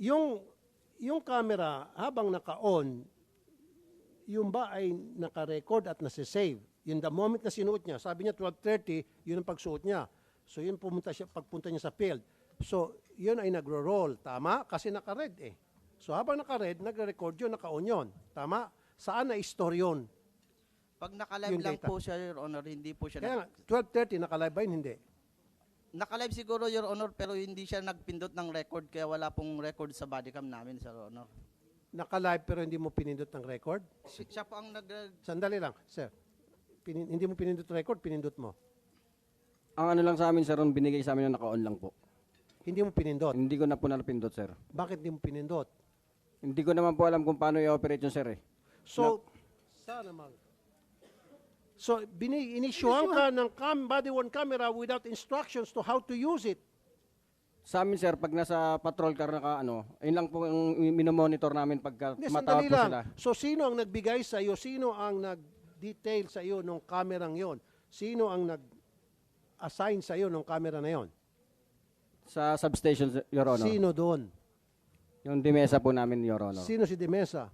Yung, yung camera, habang naka-on, yung ba ay naka-record at nasa-save? Yung the moment na sinuot niya, sabi niya 12:30, yun ang pagsuot niya. So yun pagpunta niya sa field. So yun ay nagro-roll, tama? Kasi naka-red eh. So habang naka-red, nagre-record yun, naka-on yun. Tama? Saan na-store yun? Pag naka-live Yung lang data. po siya, Your Honor, hindi po siya Kaya nga, 12:30, naka-live ba yun? Hindi. Naka-live siguro, Your Honor, pero hindi siya nagpindot ng record, kaya wala pong record sa bodycam namin, Sir Honor. Naka-live pero hindi mo pinindot ng record? Siya po ang Sandali lang, sir. Hindi mo pinindot record, pinindot mo. Ang ano lang sa amin, sir, ang binigay sa amin na naka-on lang po. Hindi mo pinindot. Hindi ko na po napindot, sir. Bakit hindi mo pinindot? Hindi ko naman po alam kung paano i-operate yung sir eh. So, sana mang. So, inisyuhan ka ng body-worn camera without instructions to how to use it. Sa amin, sir, pag nasa patrol car naka ano, ayun lang po yung minomonitor namin pagka Hindi, matawag sandali po lang. sila. So, sino ang nagbigay sa iyo? Sino ang nag-detail sa iyo ng kamerang yon? Sino ang nag-assign sa iyo ng camera na yon? Sa substation, Your Honor. Sino doon? Yung dimesa po namin, Your Honor. Sino si Dimesa?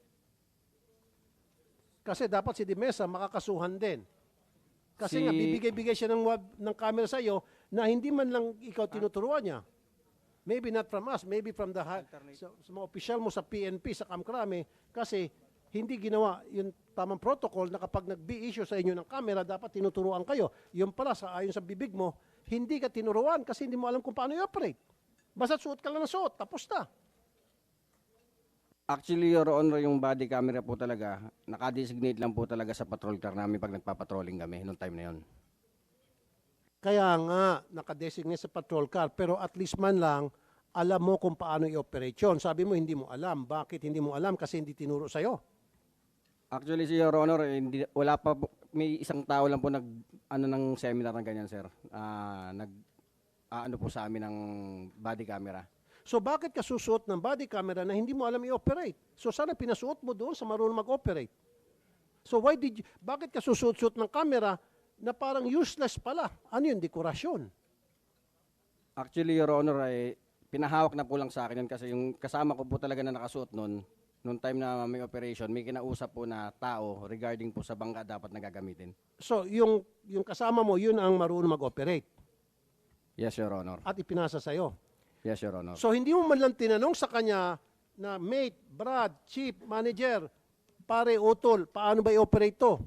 Kasi dapat si Dimesa makakasuhan din. Kasi nga, bibigay-bigay siya ng camera sa iyo na hindi man lang ikaw tinuturuan niya. Maybe not from us, maybe from sa mga opisyal mo sa PNP, sa Kamkrame, kasi hindi ginawa yung tamang protocol na kapag nag-issue sa inyo ng camera, dapat tinuturuan kayo. Yung pala, ayon sa bibig mo, hindi ka tinuruan kasi hindi mo alam kung paano i-operate. Basta suot ka lang ng suot, tapos na. Actually, Your Honor, yung body camera po talaga, nakadesignate lang po talaga sa patrol car namin pag nagpapatrolling kami noong time na yon. Kaya nga, nakadesignate sa patrol car, pero at least man lang, alam mo kung paano i-operate yun. Sabi mo, hindi mo alam. Bakit hindi mo alam? Kasi hindi tinuro sa'yo. Actually, si Your Honor, hindi, wala pa po, may isang tao lang po ng seminar ng ganyan, sir. Ano po sa amin ng body camera. So bakit ka susuot ng body camera na hindi mo alam i-operate? So sana pinasuot mo doon sa marunong mag-operate. So bakit ka susuot ng camera na parang useless pala? Ano yun? Dekorasyon. Actually, Your Honor, ay pinahawak na po lang sa akin yun kasi yung kasama ko po talaga na nakasuot noong time na may operation, may kinausap po na tao regarding po sa bangka dapat na gagamitin. So yung kasama mo, yun ang marunong mag-operate Yes, Your Honor. at ipinasa sa'yo. Yes, Your Honor. So hindi mo man lang tinanong sa kanya na mate, Brad, chief, manager, pare, utol, paano ba i-operate to?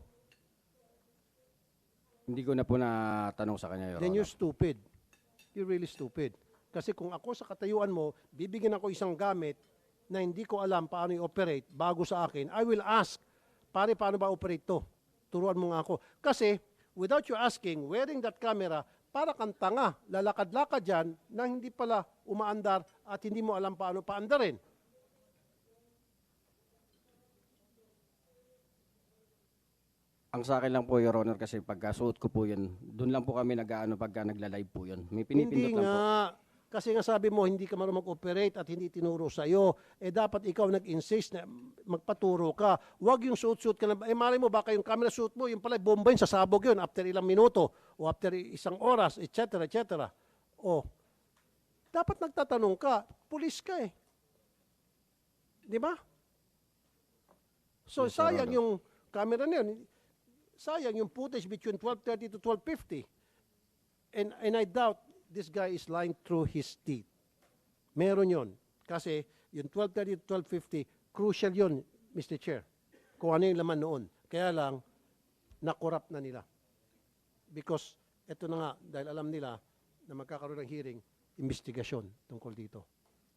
Hindi ko na po natanong sa kanya, Your Then Honor. you're stupid. You're really stupid. Kasi kung ako sa katayuan mo, bibigyan ako isang gamit na hindi ko alam paano i-operate bago sa akin, I will ask, pare, paano ba operate to? Turuan mo nga ako. Kasi, without you asking, wearing that camera, para kang tanga, lalakad-lakad dyan na hindi pala umaandar at hindi mo alam paano paandarin. Ang sa akin lang po, Your Honor, kasi pagka suot ko po yun, doon lang po kami nag-ano pagka nagla-live po yun. May pinipindot Hindi lang po. nga. Kasi nga sabi mo, hindi ka marunong mag-operate at hindi tinuro sa'yo. Eh dapat ikaw nag-insist na magpaturo ka. Huwag yung suit-suit ka na. Eh malay mo, baka yung camera suit mo, yung pala bomba yun, sasabog yun after ilang minuto o after isang oras, etc. etc. O, dapat nagtatanong ka. Pulis ka eh. Di ba? So Yes, Your sayang Honor. yung camera na yun. Sayang yung footage between 12:30 to 12:50. And I doubt this guy is lying through his teeth. Meron yon. Kasi yung 12:30 to 12:50, crucial yon, Mr. Chair. Kung ano yung laman noon. Kaya lang, nakorap na nila. Because, eto na nga, dahil alam nila na magkakaroon ng hearing, investigasyon tungkol dito.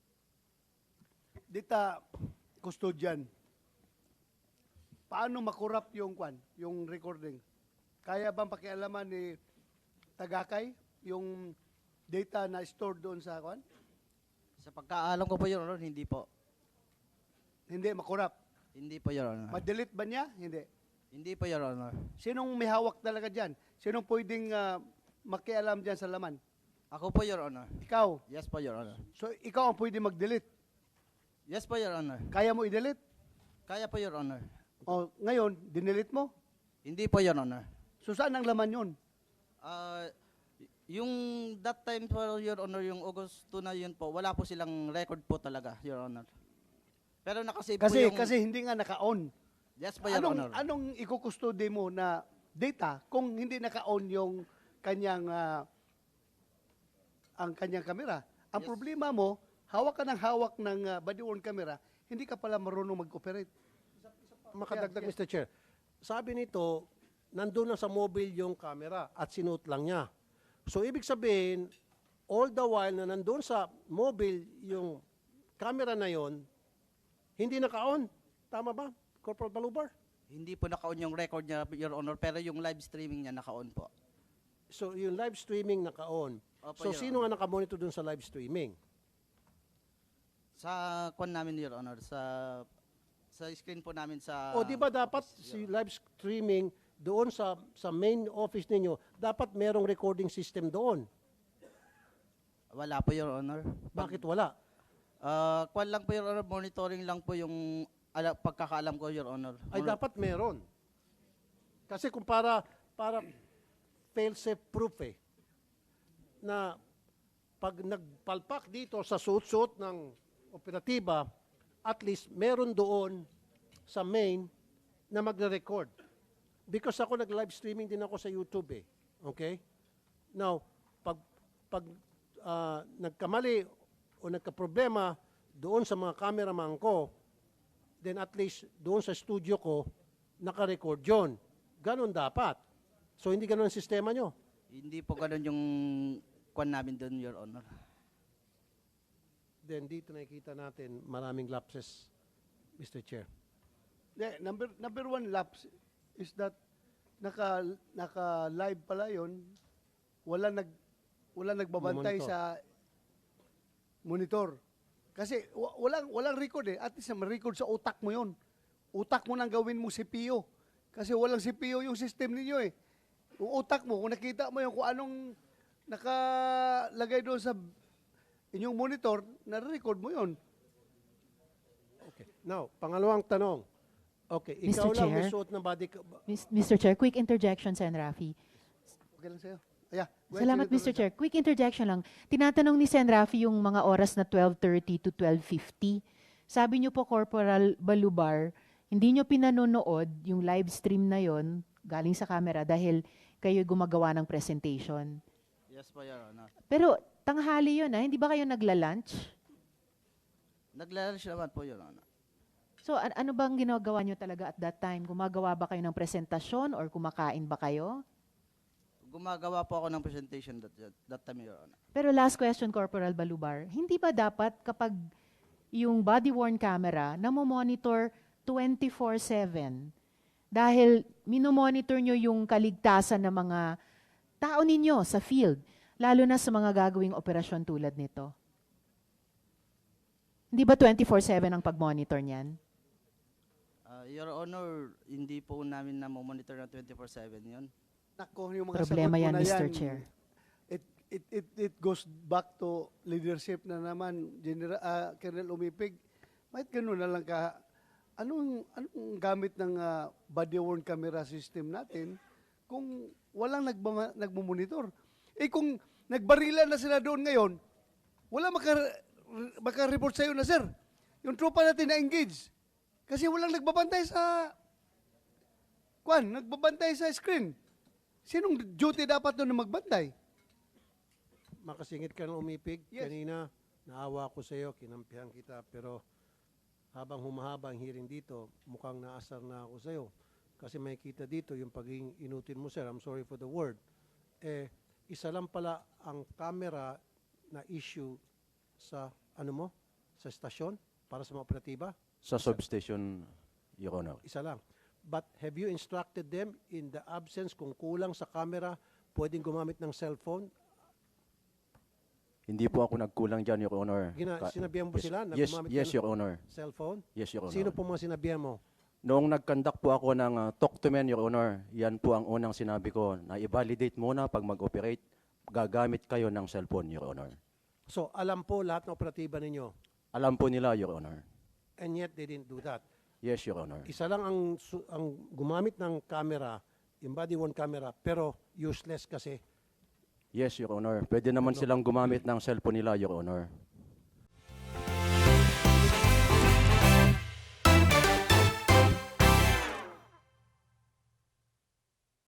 Dita, custodian, paano makurap yung recording? Kaya bang pakialaman ni Tagakay yung data na stored doon sa kwan? Sa pagkaalam ko po, Your Honor, hindi po. Hindi makurap. Hindi po, Your Honor. Ma-delete ba niya? Hindi. Hindi po, Your Honor. Sinong may hawak talaga dyan? Sinong pwedeng makialam dyan sa laman? Ako po, Your Honor. Ikaw. Yes po, Your Honor. So, ikaw ang pwede mag-delete. Yes po, Your Honor. Kaya mo i-delete? Kaya po, Your Honor. O, ngayon, dinelete mo? Hindi po, Your Honor. So, saan ang laman yun? Ah, Yung that time po, Your Honor, yung August 2 na yun po, wala po silang record po talaga, Your Honor. Pero nakasave po Kasi yung... kasi hindi nga naka-on. Yes po, Your Honor. Anong ikukustude mo na data kung hindi naka-on yung kanyang ang kanyang kamera? Ang Yes. problema mo, hawak ka ng body worn camera, hindi ka pala marunong mag-operate. Makadagdag, Yes, Mr. Chair. Sabi nito, nandun na sa mobile yung camera at sinuot lang niya. So, ibig sabihin, all the while na nandun sa mobile yung camera na yon, hindi naka-on. Tama ba, Corporal Balubar? Hindi po naka-on yung record niya, Your Honor, pero yung live streaming niya naka-on po. So, yung live streaming naka-on. Opo, So, Your sino Honor. nga nakamonitor dun sa live streaming? Sa kwan namin, Your Honor, sa screen po namin sa... O, di ba dapat si live streaming doon sa main office ninyo, dapat merong recording system doon. Wala po, Your Honor. Bakit wala? Kwan lang po, Your Honor, monitoring lang po yung pagkakaalam ko, Your Honor. Ay dapat meron. Kasi kung para fail-safe proof na pag nagpalpak dito sa suot-suot ng operatiba, at least meron doon sa main na magre-record. Because ako nag-live streaming din ako sa YouTube Okay? Now, pag nagkamali o nagka-problema doon sa mga cameraman ko, then at least doon sa studio ko, naka-record yun. Ganon dapat. So, hindi ganon ang sistema nyo. Hindi po ganun yung kwan namin doon, Your Honor. Then dito nakikita natin maraming lapses, Mr. Chair. Yeah, number one lapse is that naka live pala yon, wala nagbabantay Monitor. sa monitor. Kasi walang record At least ma-record sa utak mo yon. Utak mo nang gawin mo CPU. Kasi walang CPU yung system ninyo Yung utak mo, kung nakita mo yung kung anong nakalagay doon sa inyong monitor, na-record mo yon. Okay. Now, pangalawang tanong. Okay, Mr. ikaw lang may Chair. suot ng body... Mr. Chair, quick interjection, Sen. Rafi. Okay lang sa'yo. Yeah. Go ahead, Salamat, Senator Mr. Chair. Quick interjection lang. Tinatanong ni Sen. Rafi yung mga oras na 12:30 to 12:50. Sabi niyo po, Corporal Balubar, hindi niyo pinanonood yung live stream na yon galing sa camera dahil kayo gumagawa ng presentation. Yes po, Your Honor. Pero tanghali yun, hindi ba kayo nagla-lunch? Naglalunch naman po, Your Honor. So ano bang ginagawa niyo talaga at that time? Gumagawa ba kayo ng presentasyon or kumakain ba kayo? Gumagawa po ako ng presentation that time, Your Honor. Pero last question, Corporal Balubar, hindi ba dapat kapag yung body-worn camera na monitor 24/7 dahil minomonitor nyo yung kaligtasan ng mga tao ninyo sa field, lalo na sa mga gagawing operasyon tulad nito? Hindi ba 24/7 ang pag-monitor niyan? Your Honor, hindi po namin na-monitor na 24/7 yun. Nako, yung mga Problema sagot mo yan, na Mr. Chair. It goes back to leadership na naman, Colonel Umipig. Kahit gano'n na lang ka, anong gamit ng body-worn camera system natin kung walang nagmumonitor? Kung nagbarilan na sila doon ngayon, wala maka-report sa'yo na, sir. Yung tropa natin na-engage. Kasi walang nagbabantay nagbabantay sa screen. Sinong duty dapat doon na magbantay? Makasingit ka ng umipig. Yes. Kanina, naawa ko sa iyo, kinampihan kita, pero habang humahaba ang hearing dito, mukhang naasar na ako sa iyo. Kasi may kita dito yung pagiging inutin mo, sir. I'm sorry for the word. Isa lang pala ang camera na issue sa, sa estasyon para sa mga operatiba. Sa substation, Your Honor. Isa lang. But have you instructed them in the absence, kung kulang sa camera, pwedeng gumamit ng cellphone? Hindi po ako nagkulang dyan, Your Honor. Sinabihan mo sila na Yes, gumamit yes, ka ng Your Honor. cellphone? Yes, Your Honor. Sino po mga sinabihan mo? Noong nag-conduct po ako ng talk to men, Your Honor, yan po ang unang sinabi ko, na i-validate muna pag mag-operate, gagamit kayo ng cellphone, Your Honor. So, alam po lahat ng operatiba ninyo. Alam po nila, Your Honor. And yet, they didn't do that. Yes, Your Honor. Isa lang ang gumamit ng camera, yung body-worn camera, pero useless kasi Yes, Your Honor. Pwede naman silang gumamit ng cellphone nila, Your Honor.